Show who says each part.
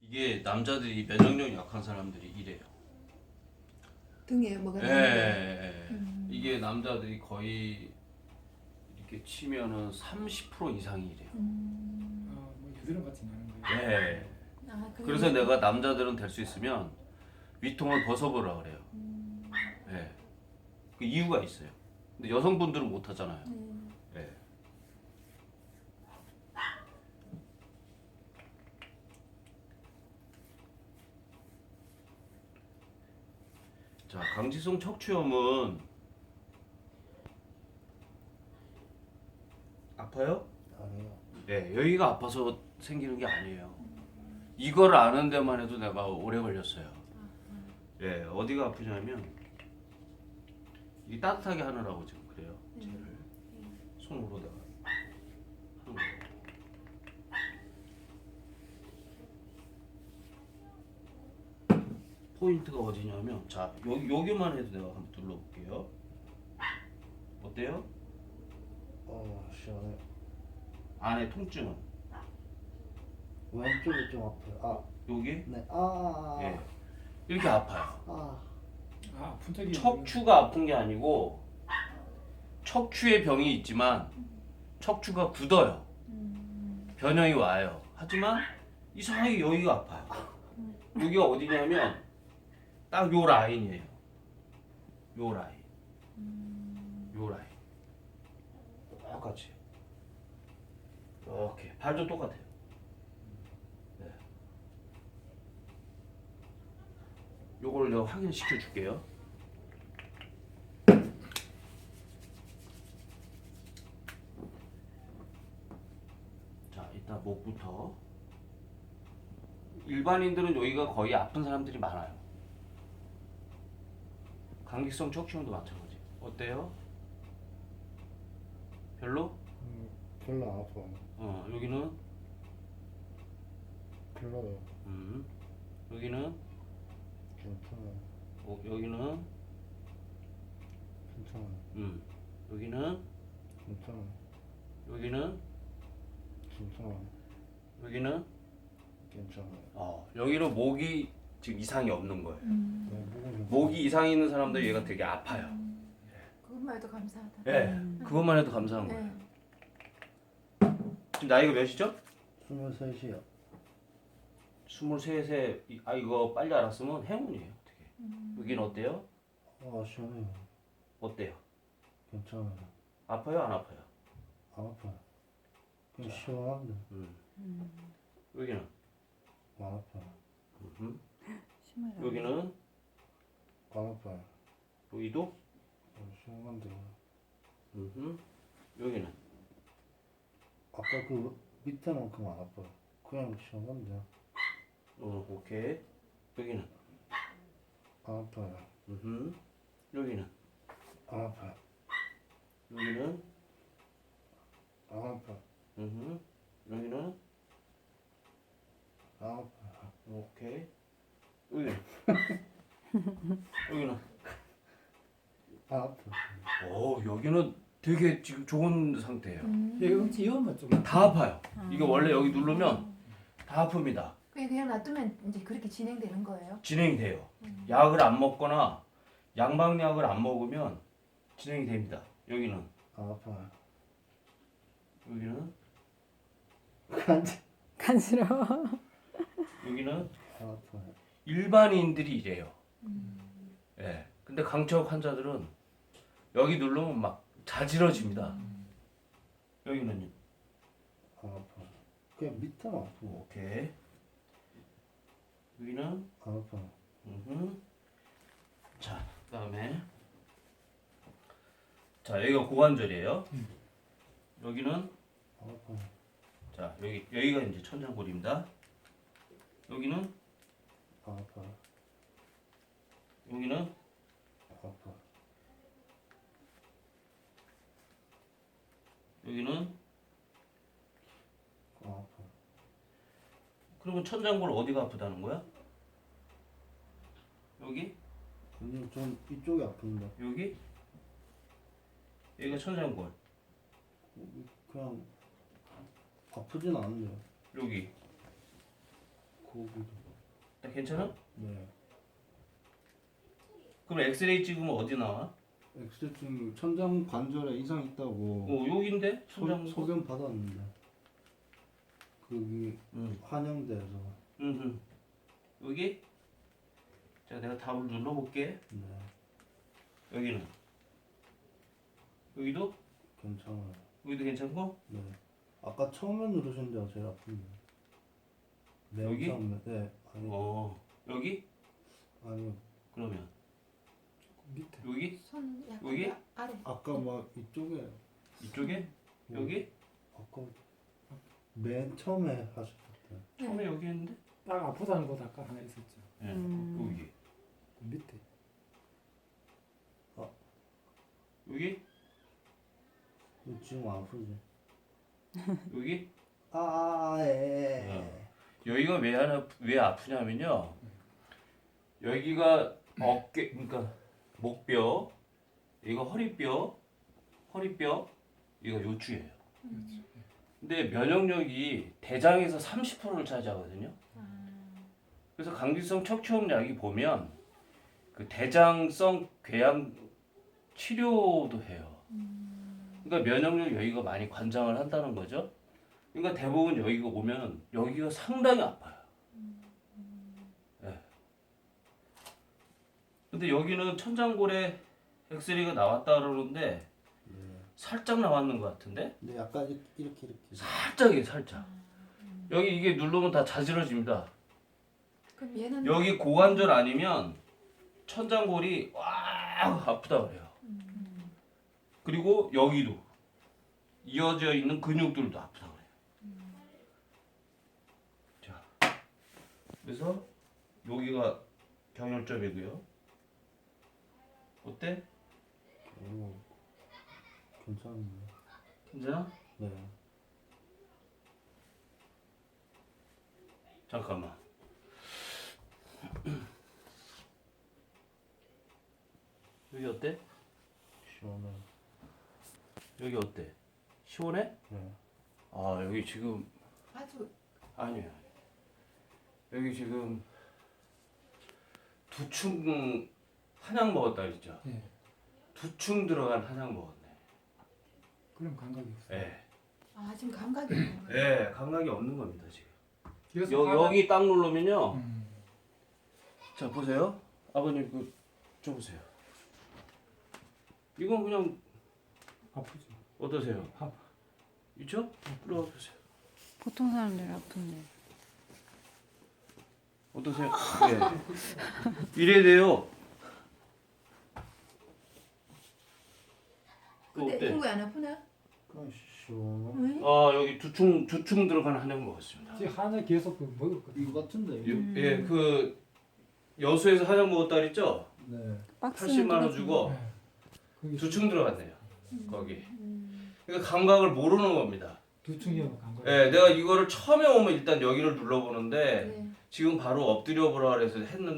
Speaker 1: 이게 남자들이 면역력 약한 사람들이 이래요.
Speaker 2: 등에 뭐가
Speaker 1: 예,
Speaker 2: 나는데.
Speaker 1: 이게 남자들이 거의 이렇게 치면은 30% 이상이 이래요.
Speaker 3: 뭐 여드름 같이 나는 거예요.
Speaker 1: 예.
Speaker 2: 아, 그게
Speaker 1: 그래서 내가 남자들은 될 수 있으면 위통을 벗어보라 그래요. 예. 그 이유가 있어요. 근데 여성분들은 못 하잖아요. 예. 자, 강지성 척추염은 아파요?
Speaker 4: 아니요.
Speaker 1: 네, 여기가 아파서 생기는 게 아니에요. 이걸 아는 데만 해도 내가 오래 걸렸어요. 예, 어디가 아프냐면 이 따뜻하게 하느라고 지금 그래요. 쟤를 손으로다가 하는 거예요. 포인트가 어디냐면 자, 여기만 해도 내가 한번 눌러볼게요. 어때요?
Speaker 4: 시원해.
Speaker 1: 안에 통증은
Speaker 4: 왼쪽이 좀 아파요.
Speaker 1: 여기
Speaker 4: 네.
Speaker 1: 예, 이렇게 아파요.
Speaker 3: 분턱이
Speaker 1: 척추가 아픈 게 아니고 척추에 병이 있지만 척추가 굳어요. 변형이 와요. 하지만 이상하게 여기가 아파요. 여기가 어디냐면 딱 요 라인이에요. 요 라인. 요 라인. 똑같이. 이렇게 발도 똑같아요. 네. 요걸 내가 확인시켜 줄게요. 자, 일단 목부터. 일반인들은 여기가 거의 아픈 사람들이 많아요. 감기성 척추염도 마찬가지. 어때요? 별로?
Speaker 4: 별로 안 아파.
Speaker 1: 여기는
Speaker 4: 별로요.
Speaker 1: 여기는
Speaker 4: 괜찮아요.
Speaker 1: 여기는
Speaker 4: 괜찮아요.
Speaker 1: 여기는
Speaker 4: 괜찮아요.
Speaker 1: 여기는
Speaker 4: 괜찮아요.
Speaker 1: 여기는
Speaker 4: 괜찮아요.
Speaker 1: 여기는 목이 지금 이상이 없는 거예요.
Speaker 4: 네, 목은 괜찮아요.
Speaker 1: 목이 이상이 있는 사람들 얘가 되게 아파요.
Speaker 2: 그것만 해도 감사하다.
Speaker 1: 예, 그것만 해도 감사한 거예요.
Speaker 2: 네.
Speaker 1: 지금 나이가 몇이죠?
Speaker 4: 23이요.
Speaker 1: 23세. 이거 빨리 알았으면 행운이에요. 어떻게? 여기는 어때요?
Speaker 4: 시원해요.
Speaker 1: 어때요?
Speaker 4: 괜찮아요.
Speaker 1: 아파요? 안 아파요?
Speaker 4: 안 아파요. 그냥 시원한데
Speaker 1: 여기는
Speaker 4: 안 아파요.
Speaker 1: 여기는
Speaker 4: 안 아파요.
Speaker 1: 여기도
Speaker 4: 시원한데
Speaker 1: 여기는
Speaker 4: 아까 그 밑에만큼 안 아파요. 그냥 시원한데
Speaker 1: 오케이. 여기는
Speaker 4: 안 아파요.
Speaker 1: 여기는
Speaker 4: 안 아파요.
Speaker 1: 여기는
Speaker 4: 안 아파요.
Speaker 1: 여기는
Speaker 4: 안 아파요.
Speaker 1: 오케이. 여기는 여기는
Speaker 4: 안 아파요.
Speaker 1: 여기는 되게 지금 좋은 상태예요.
Speaker 3: 여기 음치 이어만 좀
Speaker 1: 다 아파요. 이게 원래 여기 누르면 다 아픕니다.
Speaker 2: 그냥 놔두면 이제 그렇게 진행되는 거예요?
Speaker 1: 진행이 돼요. 약을 안 먹거나 양방약을 안 먹으면 진행이 됩니다. 여기는
Speaker 4: 안 아파요.
Speaker 1: 여기는
Speaker 5: 간지러워.
Speaker 1: 여기는
Speaker 4: 안 아파요.
Speaker 1: 일반인들이 이래요. 예. 근데 강척 환자들은 여기 누르면 막 자지러집니다. 여기는요.
Speaker 4: 안 아파요. 그냥 밑에만 아프고
Speaker 1: 오케이. 여기는
Speaker 4: 안 아파요.
Speaker 1: 자, 그다음에 자, 여기가 고관절이에요. 여기는
Speaker 4: 안 아파요.
Speaker 1: 자, 여기가 이제 천장골입니다. 여기는
Speaker 4: 안 아파요.
Speaker 1: 여기는
Speaker 4: 안 아파요.
Speaker 1: 여기는
Speaker 4: 안 아파요.
Speaker 1: 그러면 천장골 어디가 아프다는 거야? 여기?
Speaker 4: 그냥 좀 이쪽이 아픈데
Speaker 1: 여기? 여기가 천장골.
Speaker 4: 그냥 아프진 않은데요.
Speaker 1: 여기.
Speaker 4: 거기도.
Speaker 1: 나 괜찮아?
Speaker 4: 네.
Speaker 1: 그럼 엑스레이 찍으면 어디 나와?
Speaker 4: 엑스레이 찍으면 천장 관절에 이상 있다고
Speaker 1: 여긴데? 천장.
Speaker 4: 소견 받았는데 거기
Speaker 1: 응.
Speaker 4: 환영대에서.
Speaker 1: 응. 여기? 자, 내가 답을 눌러볼게.
Speaker 4: 네.
Speaker 1: 여기는? 여기도?
Speaker 4: 괜찮아요.
Speaker 1: 여기도 괜찮고?
Speaker 4: 네. 아까 처음에 누르신 데가 제일 아픈데.
Speaker 1: 여기?
Speaker 4: 처음에. 네. 아니
Speaker 1: 여기?
Speaker 4: 아니요.
Speaker 1: 그러면
Speaker 3: 밑에.
Speaker 1: 여기?
Speaker 2: 손 약간
Speaker 1: 여기?
Speaker 2: 아래.
Speaker 4: 아까 막 이쪽에.
Speaker 1: 이쪽에? 여기?
Speaker 4: 아까 맨 처음에 하셨을 때.
Speaker 1: 처음에 여기 했는데?
Speaker 3: 딱 아프다는 곳 아까 하나 있었죠.
Speaker 1: 네. 여기.
Speaker 3: 그 밑에.
Speaker 1: 여기?
Speaker 4: 지금 아프지?
Speaker 1: 여기?
Speaker 4: 예.
Speaker 1: 여기가 왜 아프냐면요. 여기가 어깨, 그러니까 목뼈, 이거 허리뼈, 이거 요추예요. 근데 면역력이 대장에서 30%를 차지하거든요. 그래서 강기성 척추염약이 보면 그 대장성 궤양 치료도 해요. 그러니까 면역력 여기가 많이 관장을 한다는 거죠. 그러니까 대부분 여기가 오면 여기가 상당히 아파요. 네. 근데 여기는 천장골에 엑스레이가 나왔다 그러는데
Speaker 4: 네.
Speaker 1: 살짝 나왔는 것 같은데?
Speaker 4: 근데 약간 이렇게.
Speaker 1: 살짝이에요, 살짝. 여기 이게 누르면 다 자지러집니다.
Speaker 2: 그럼 얘는
Speaker 1: 여기 고관절 아니면 천장골이 와 아프다 그래요. 그리고 여기도 이어져 있는 근육들도 아프다 그래요. 자, 그래서 여기가 경혈점이고요. 어때?
Speaker 4: 오, 괜찮은데.
Speaker 1: 괜찮아?
Speaker 4: 네.
Speaker 1: 잠깐만. 여기 어때?
Speaker 4: 시원해.
Speaker 1: 여기 어때? 시원해?
Speaker 4: 네.
Speaker 1: 아 여기 지금
Speaker 2: 아주
Speaker 1: 아니에요. 여기 지금 두충 한약 먹었다 그랬죠?
Speaker 3: 예.
Speaker 1: 두충 들어간 한약 먹었네.
Speaker 3: 그럼 감각이 없어요.
Speaker 1: 예.
Speaker 2: 지금 감각이 없는 거예요.
Speaker 1: 예, 감각이 없는 겁니다 지금.
Speaker 3: 그래서
Speaker 1: 여기 딱 누르면요.
Speaker 3: 음,
Speaker 1: 자 보세요. 아버님 그 줘보세요. 이건 그냥
Speaker 3: 아프죠.
Speaker 1: 어떠세요?
Speaker 3: 아파.
Speaker 1: 있죠? 이리 와보세요.
Speaker 5: 보통 사람들 아픈데.
Speaker 1: 어떠세요? 예. 이래야 돼요. 그
Speaker 2: 근데
Speaker 1: 어때?
Speaker 2: 흉부 안 아프나?
Speaker 4: 그냥 시원해.
Speaker 2: 응?
Speaker 1: 여기 두충 들어간 한약 먹었습니다.
Speaker 3: 지금 하나 계속 그 먹었거든요.
Speaker 4: 이거 같은데.
Speaker 1: 예, 그 여수에서 한약 먹었다 그랬죠?
Speaker 4: 네.
Speaker 5: 박스는
Speaker 1: 80만 원
Speaker 5: 똑같은데.
Speaker 1: 주고
Speaker 3: 네. 거기
Speaker 1: 두충 들어갔네요. 거기. 그러니까 감각을 모르는 겁니다.
Speaker 3: 두충이면 감각.
Speaker 1: 예, 내가 이거를 처음에 오면 일단 여기를 눌러보는데
Speaker 2: 네.
Speaker 1: 지금 바로 엎드려 보라 그래서